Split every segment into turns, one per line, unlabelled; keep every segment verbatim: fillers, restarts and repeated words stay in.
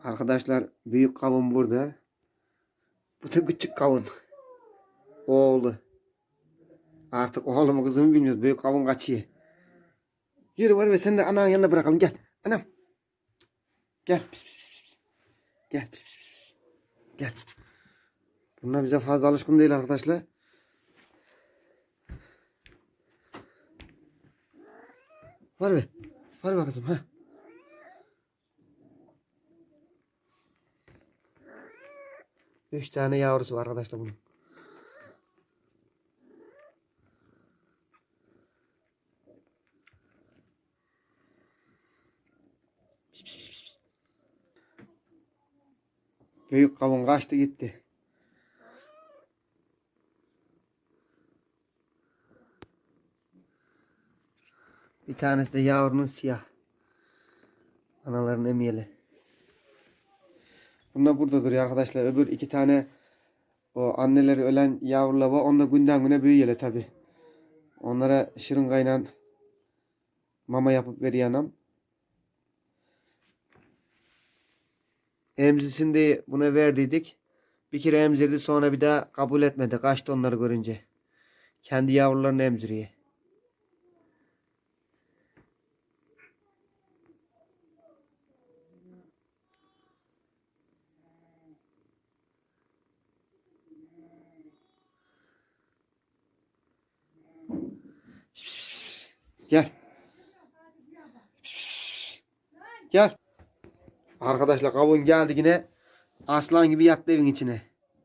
Arkadaşlar büyük kavun burada. Bu da küçük kavun. Oğlu. Artık oğlu mu kızımı bilmiyoruz. Büyük kavun kaçıyor. Yürü var ve sen de ananın yanına bırakalım. Gel. Anam. Gel. Pis, pis, pis, pis. Gel. Pis, pis, pis. Gel. Bunlar bize fazla alışkın değil arkadaşlar. Var be. Var be kızım. Ha. Üç tane yavrusu var arkadaşlar bunun. Büyük kavun kaçtı gitti. Bir tanesi de yavrunun siyah. Anaların emiyeli. Bunlar burada duruyor arkadaşlar. Öbür iki tane o anneleri ölen yavrular var. Onlar günden güne büyüyorlar tabi. Onlara şırıngayla mama yapıp veriyor anam. Emzisini buna verdiydik. Bir kere emzirdi, sonra bir daha kabul etmedi. Kaçtı onları görünce. Kendi yavrularını emziriyor. Gel. Gel. Arkadaşlar kavun geldi yine. Aslan gibi yattı evin içine.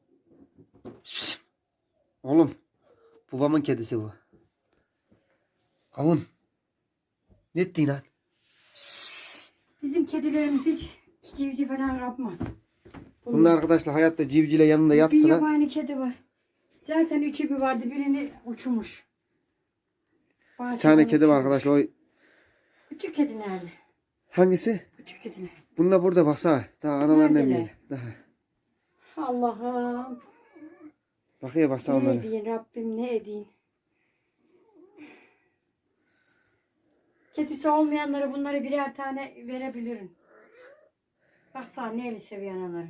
Oğlum. Babamın kedisi bu. Kavun. Ne ettin lan?
Bizim kedilerimiz hiç civciv falan yapmaz.
Bunlar arkadaşlar hayatta civcivle yanında
Bir
yatsın.
yabani kedi var. Zaten üçü bir vardı. Birini uçmuş.
Bir tane kedi var arkadaşlar. O...
Küçük kedi nerede?
Hangisi?
Küçük kedi nerede?
Bunlar burada baksana. Daha analarını
Neredeler?
emiyor. Daha.
Allah'ım.
Bakıyor baksana
Ne
onlara.
edeyim Rabbim, ne edeyim. Kedisi olmayanlara bunları birer tane verebilirim. Baksana neyle seviyor anaları.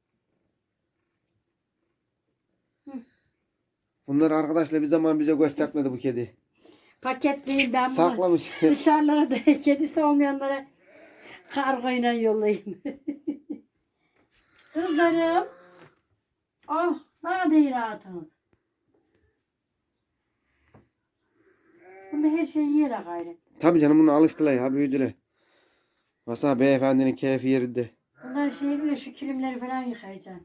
Bunlar arkadaşlar bir zaman bize göstermedi bu kedi.
Paketleyeyim ben bunu.
Saklamış.
Dışarılara da kedisi olmayanlara kargoyla yollayayım. Kızlarım. Oh, daha değil rahatınız. Bunda her şeyi yiyorlar gayrı.
Tabii canım bunu alıştılar ya, büyüdüler. Baksana beyefendinin keyfi yerinde.
Bunlar şey diyor, şu kilimleri falan yıkayacaksın.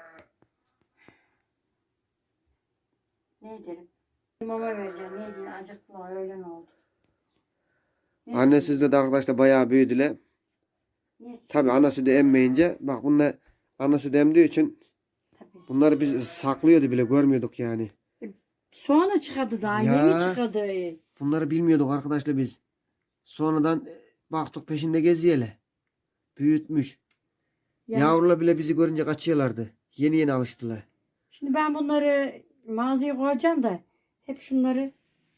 Ne ederim? Mama vereceğim. Ne diyeyim? Acıktılar. Öyle ne oldu? Neyse.
Anne sizde de arkadaşlar bayağı büyüdüler.
Neyse.
Tabii ana sütü emmeyince bak bunlar ana sütü emdiği için
Tabii.
bunları biz saklıyordu bile, görmüyorduk yani.
Soğanı çıkardı daha.
Ya.
Yeni çıkardı.
Bunları bilmiyorduk arkadaşlar biz. Sonradan baktık peşinde geziyeler. Büyütmüş.
Yani,
Yavrular bile bizi görünce kaçıyorlardı. Yeni yeni alıştılar.
şimdi ben bunları mağazaya koyacağım da hep şunları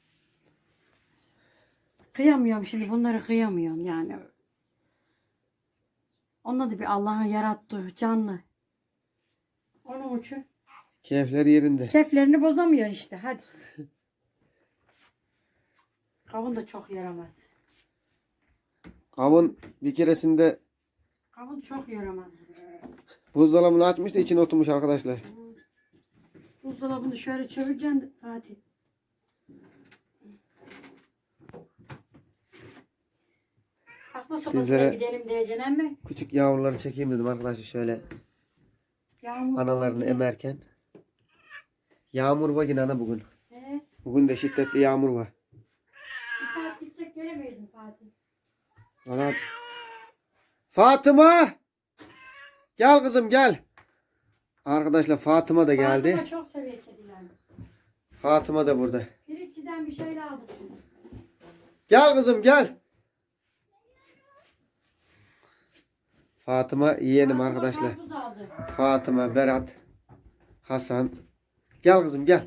kıyamıyorum şimdi. Bunları kıyamıyorum yani. Onlar da bir Allah'ın yarattığı canlı. Onun için
Keyifler yerinde.
keyiflerini bozamıyor işte. Hadi. Kavun da çok yaramaz.
Kavun bir keresinde
Kavun çok yaramaz.
buzdolabını açmış da içine oturmuş arkadaşlar.
Buzdolabını şöyle çevireceksin Fatih. Aklı
Sizlere-
sopasına gidelim diyeceksin emmi.
Küçük yavruları çekeyim dedim arkadaşlar şöyle
Yağmur
analarını
yağıyor.
emerken. Yağmur var yine ana bugün.
He?
Bugün de şiddetli yağmur var.
Bir saat gitsek gelemeyiz mi Fatih?
Valla... Fatıma! Gel kızım gel. Arkadaşlar Fatıma da geldi.
Fatıma çok seviyor kedileri.
Fatıma da burada.
Pirinççiden bir şeyler aldık.
Gel kızım gel. Fatıma yeğenim
Fatıma
arkadaşlar.
karpuz aldı.
Fatıma, Berat, Hasan. Gel kızım gel.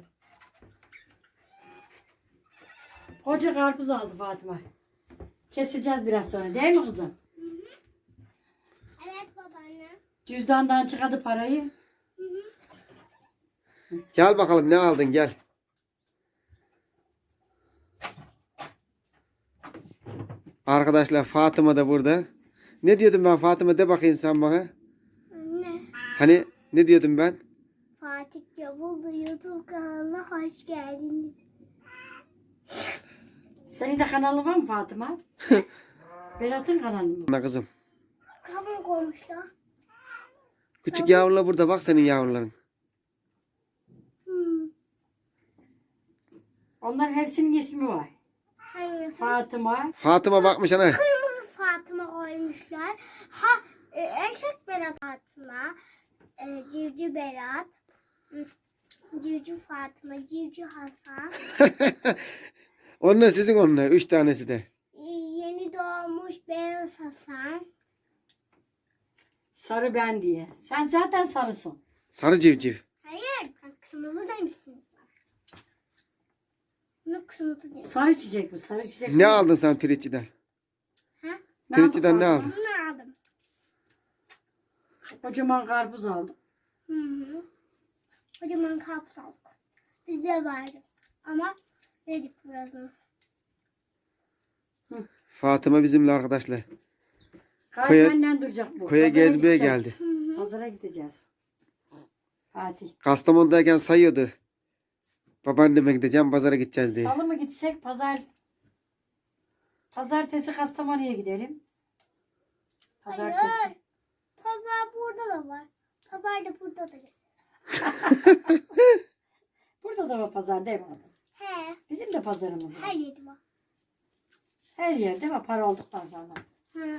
Koca karpuz aldı Fatıma. Keseceğiz biraz sonra değil mi kızım?
Evet baba. Anne.
Cüzdandan çıkardı parayı.
Gel bakalım ne aldın gel. Arkadaşlar Fatıma da burada. Ne diyordum ben Fatıma de bakayım sen bana.
Anne.
Hani ne diyordum ben?
Fatih Yavuz'u YouTube kanalına hoş geldiniz.
Senin de kanalı var mı Fatıma? Berat'ın kanalı mı?
Ana kızım.
Kavun koymuşlar.
Küçük yavrular burada bak senin yavruların.
Hmm.
Onların hepsinin ismi var.
Hangisi?
Fatıma.
Fatıma bakmış ana.
Kırmızı Fatıma koymuşlar. Ha e, eşek Berat Fatıma. E, civciv Berat. hmm, Civciv Fatıma. Civciv Hasan.
Onlar sizin onlar. Üç tanesi de.
e, yeni doğmuş Beyaz Hasan.
Sarı ben diye. Sen zaten sarısın.
Sarı civciv.
Hayır. Sen kırmızı demişsin. Bunu kırmızı demiş.
Sarı çiçek bu. Sarı çiçek.
Ne aldın sen pirinççiden?
Ha?
Ne
Pirinççiden ne
aldın
aldın?
Bunu aldım.
Fatıma? Kocaman karpuz aldım.
Hı hı. Kocaman karpuz aldık. Bize vardı. Ama yedik birazını.
Fatıma bizimle arkadaşlar.
Gayet benden duracak bu.
Koya
Pazara
gezmeye
gideceğiz.
geldi.
Pazara gideceğiz. Fatih.
Kastamonu'dayken sayıyordu. Babaanneme gideceğim pazara gideceğiz diye.
Salı mı gitsek pazar Pazartesi Kastamonu'ya gidelim. Pazartesi.
Hayır. Pazar burada da var. Pazar da burada da.
Burada da var pazar değil mi adam?
He.
Bizim de pazarımız var.
Her yeri var.
Her yerde var para olduktan sonra.
Hı.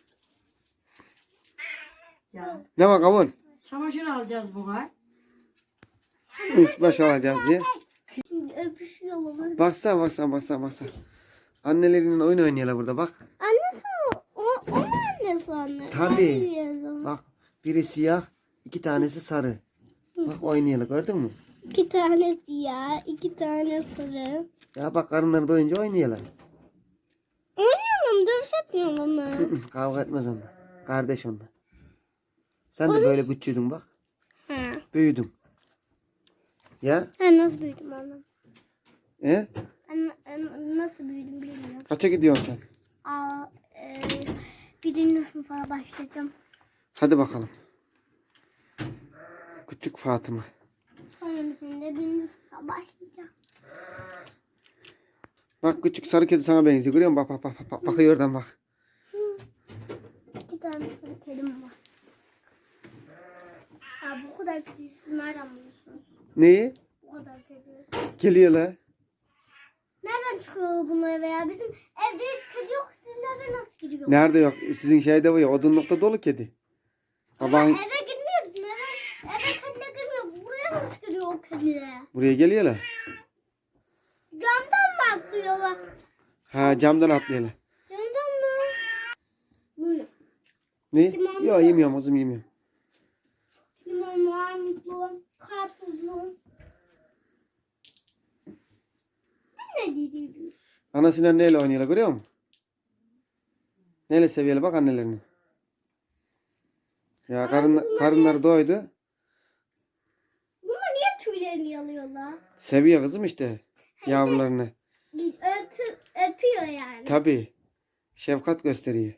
Ya.
Ne bak kavun?
Çamaşır alacağız bu ay.
Üst baş alacağız diye.
Şimdi öpüşüyorlar.
Baksana baksana baksana baksana. Annelerinden oyun oynuyorlar burada bak.
Annesi mi? O, o mu annesi anne?
Tabii.
Ben biliyordum.
Bak biri siyah, iki tanesi sarı. Bak oynuyorlar gördün mü?
İki tane siyah, iki tane sarı.
Ya bak karınları doyunca oynuyorlar.
Oynayalım, dövüş yapmayalım ama.
Kavga etmez onlar. Kardeş onlar. Sen de böyle küçüğüydün bak.
Ha.
Büyüdün. Ya?
Ben nasıl büyüdüm annem?
E?
Ben, ben nasıl büyüdüm bilmiyorum.
Kaça gidiyorsun sen?
Aa, e, birinci sınıfa başladım.
Hadi bakalım. Küçük Fatıma.
Sonrasında birinci sınıfa başlayacağım.
Bak küçük sarı kedi sana benziyor. Görüyor musun? Bak bak bak. bak. Bakıyor oradan bak.
İki tane sarı kedim var. Ya bu kadar kedi siz nereden buluyorsunuz?
Neyi?
Bu kadar kedi.
Geliyorlar.
Nereden çıkıyor bunlar veya bizim evde hiç kedi yok. Sizin eve nasıl giriyor?
Nerede yok? Sizin şeyde var ya odunlukta dolu kedi.
Ama
Baban
eve girmiyor bizim eve. Eve kedi girmiyor. Buraya nasıl giriyor o kedi?
buraya geliyorlar.
Camdan mı atlıyorlar?
Ha camdan atlıyorlar.
Camdan mı? Böyle.
Ne?
Limonlu.
Yok yemiyorum kızım yemiyorum.
Limonlu, armutlu, karpuzlu. Sen ne dedin?
Anasıyla neyle oynuyorlar görüyor musun? Neyle seviyorlar bak annelerini. Ya karın, karınları doydu.
Bunlar niye tüylerini yalıyorlar?
Seviyor kızım işte yavrularını.
Öpü, öpüyor yani.
Tabii. Şefkat gösteriyor.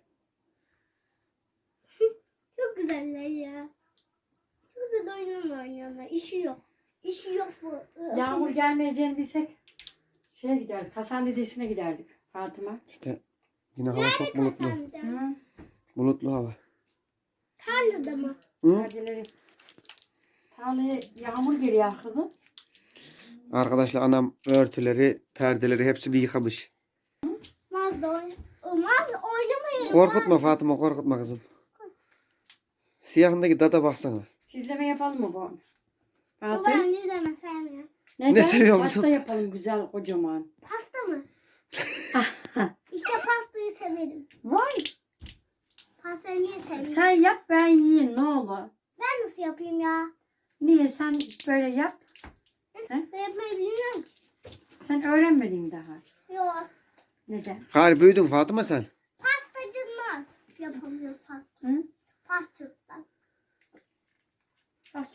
Çok güzeller ya. Çok güzel oyun oynuyorlar. İşi yok. İşi yok bu.
Yağmur gelmeyeceğini bilsek şeye giderdik. Hasan dedesine giderdik Fatıma.
İşte yine hava çok bulutlu.
Sen de.
Hı.
Bulutlu hava.
Tarlada mı?
Hı?
Perdeleri. Tarlaya yağmur geliyor kızım.
Arkadaşlar anam örtüleri, perdeleri hepsini yıkamış.
Maz da oyn Maz oynamayalım.
Korkutma Fatıma korkutma kızım. Siyahındaki dada baksana.
Çizleme yapalım mı bu?
Baba
Fatih.
ben ne zaman sevmiyorum.
Neden?
Ne seviyor
Pasta
musun?
yapalım güzel kocaman.
Pasta mı? İşte pastayı severim.
Vay.
Pastayı niye severim?
Sen yap ben yiyeyim ne olur.
Ben nasıl yapayım ya?
Niye sen böyle yap? He?
Ben yapmayı bilmiyorum.
Sen öğrenmedin daha.
Yok.
Neden?
Gari büyüdün Fatıma sen.
Pastacılar yapamıyorsan.
Hı?
Pastacılar.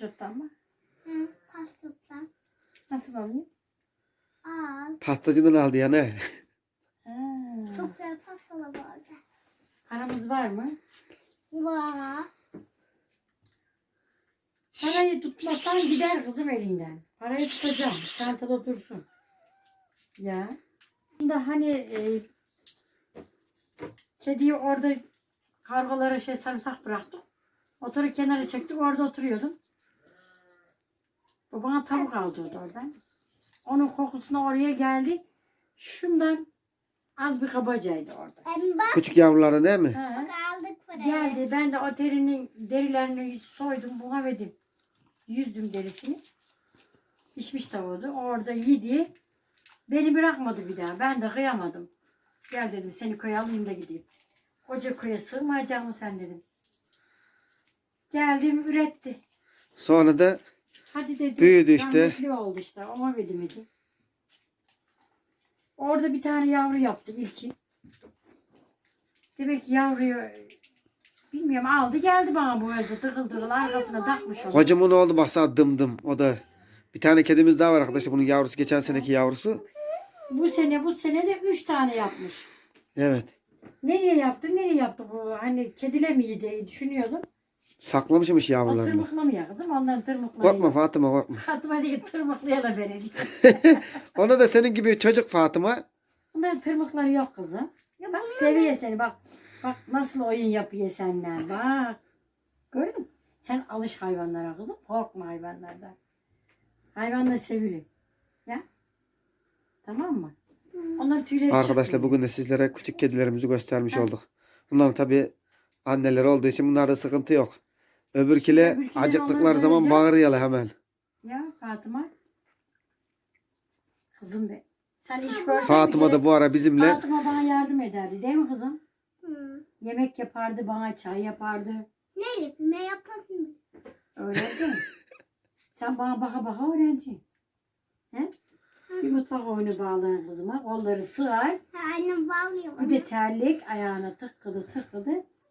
Pastrottan mı?
Hı, pastottan.
Nasıl alayım?
Al.
Pastacıdan aldı ya ne?
Ha.
Çok güzel pastalar vardı.
Paramız var mı?
Vay.
Parayı tutmasan gider kızım elinden. Parayı tutacağım. Çantada dursun. Ya. Da hani e, kediyi orada kargolara şey sarımsak bıraktık. Motoru kenara çektik. Orada oturuyordum. Bu bana tavuk aldırdı oradan. Onun kokusuna oraya geldi. Şundan az bir kabacaydı orada.
Hem bak.
Küçük yavruları değil mi?
Ha.
Bak aldık parayı.
Geldi. Ben de o derinin derilerini soydum. Buna verdim. Yüzdüm derisini. Pişmiş tavuğu. Orada yedi. Beni bırakmadı bir daha. Ben de kıyamadım. Gel dedim seni köye alayım da gideyim. Koca köye sığmayacak mı sen dedim. Geldim üretti.
Sonra da
Hadi dedi.
Büyüdü işte.
rahmetli oldu işte. Ona verdim dedi. Orada bir tane yavru yaptı ilki. Demek ki yavruyu bilmiyorum aldı geldi bana bu evde tıkıl tıkıl arkasına takmış onu.
kocaman oldu baksana dım dım. O da bir tane kedimiz daha var arkadaşlar. Bunun yavrusu geçen seneki yavrusu.
Bu sene bu sene de üç tane yapmış.
Evet.
Nereye yaptı nereye yaptı bu hani kedile mi diye düşünüyordum.
Saklamışmış
O
yavrularını.
tırmıklamıyor kızım ondan tırmıklayıyor.
Korkma Fatıma korkma.
Fatıma değil tırmıklayalım beni diye.
Ona da senin gibi çocuk Fatıma.
Bunların tırmıkları yok kızım. Ya bak seviyor seni bak. Bak nasıl oyun yapıyor senden bak. Gördün mü? Sen alış hayvanlara kızım. Korkma hayvanlardan. Hayvanlar sevilir. Ya. Tamam mı? Onlar tüyleri
Arkadaşlar
çıkmıyor.
bugün de sizlere küçük kedilerimizi göstermiş
Ha.
olduk. Bunların tabi anneleri olduğu için bunlarda sıkıntı yok. Öbürküle
Öbürküleri
acıktıkları
onları
zaman
vereceğiz.
bağırıyorlar hemen.
Ya Fatıma. Kızım be. Sen iş görsen
Fatıma
bir kere
da bu ara bizimle
Fatıma bana yardım ederdi değil mi kızım?
Hı.
Yemek yapardı bana çay yapardı.
Ne yapayım? Ne yapalım?
Öyle değil mi? Sen bana baka baka öğreneceksin. He? Bir mutfak oyunu bağlarım kızıma. Kolları sığar.
Ha, annem bağlıyor bana.
Bir de terlik ayağına tıkkıdı tıkkıdı.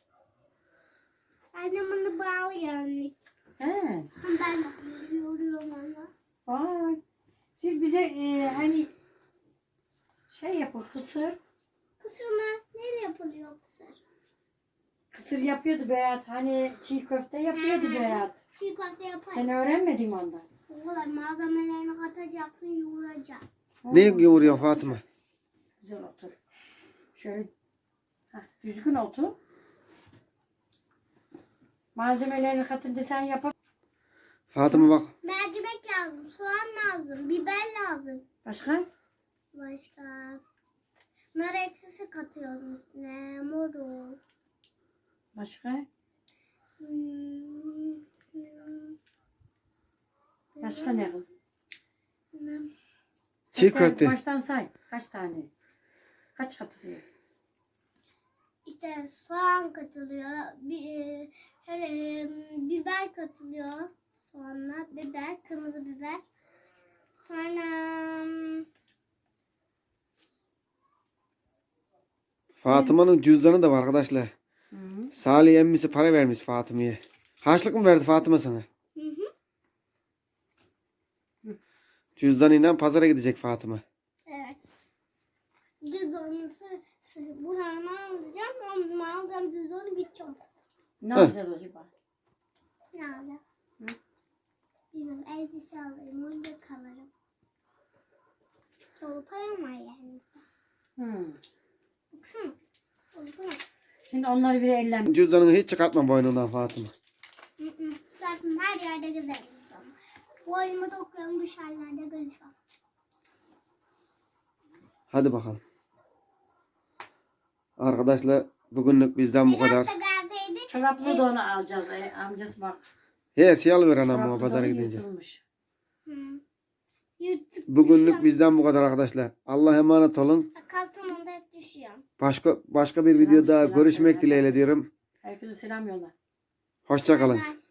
Annem onu bağlıyor anne.
He.
Ben de yoruyorum onu.
Vay. Siz bize e, hani şey yapın kısır.
Kısır mı? Neyle yapılıyor kısır?
Kısır yapıyordu Berat. Hani çiğ köfte yapıyordu Berat.
Çiğ köfte yapar.
Sen öğrenmedin mi ondan?
O kadar malzemelerini katacaksın, yoğuracaksın.
ne yoğuruyor Fatıma?
Güzel otur. Şöyle heh, düzgün otur. Malzemelerini katınca sen yap.
Fatıma bak.
Mercimek lazım, soğan lazım, biber lazım.
Başka?
Başka. Nar ekşisi katıyoruz üstüne, morul.
Başka?
Hmm, hmm.
Başka ne kızım?
Hmm.
Çiğ
Kaç tane-
köfte.
Baştan say. Kaç tane? Kaç katılıyor?
İşte soğan katılıyor, bi, e, hele, biber katılıyor. Soğanla biber, kırmızı biber. Sonra hmm,
Fatıma'nın cüzdanı da var arkadaşlar.
Hı -hı.
Salih emmisi para vermiş Fatıma'ya. Harçlık mı verdi Fatıma sana?
hı hı.
Cüzdanıyla pazara gidecek Fatıma.
Evet. Cüzdanı buranı alacağım. Onu alacağım cüzdanı gideceğim.
Ne
Heh.
yapacağız acaba?
Ne alacağım?
Hı?
Bilmiyorum, elbise alırım. Oyuncak alırım. Çoğu param var yani.
Hı.
Baksana. Baksana.
Şimdi onları bir ellen.
Cüzdanını hiç çıkartma boynundan Fatıma.
Hı hı. Zaten her yerde gezerim. Boynumu dokuyorum, dışarılarda gözüküyor.
Hadi bakalım. Arkadaşlar bugünlük bizden bu kadar.
Biraz da gelseydik.
Çoraplı da onu alacağız. E, amcası bak.
Her şey alıver anam
Çoraplı
bana pazara
donu
gidince.
yırtılmış.
Hı. Yırtık
Bugünlük
düşüyorum.
bizden bu kadar arkadaşlar. Allah'a emanet olun.
Kastamonu'da hep düşüyorum.
Başka başka bir
Selam,
videoda
selam
görüşmek
söyle.
dileğiyle diyorum.
Herkese selam yolla.
Hoşça kalın.
Bye bye.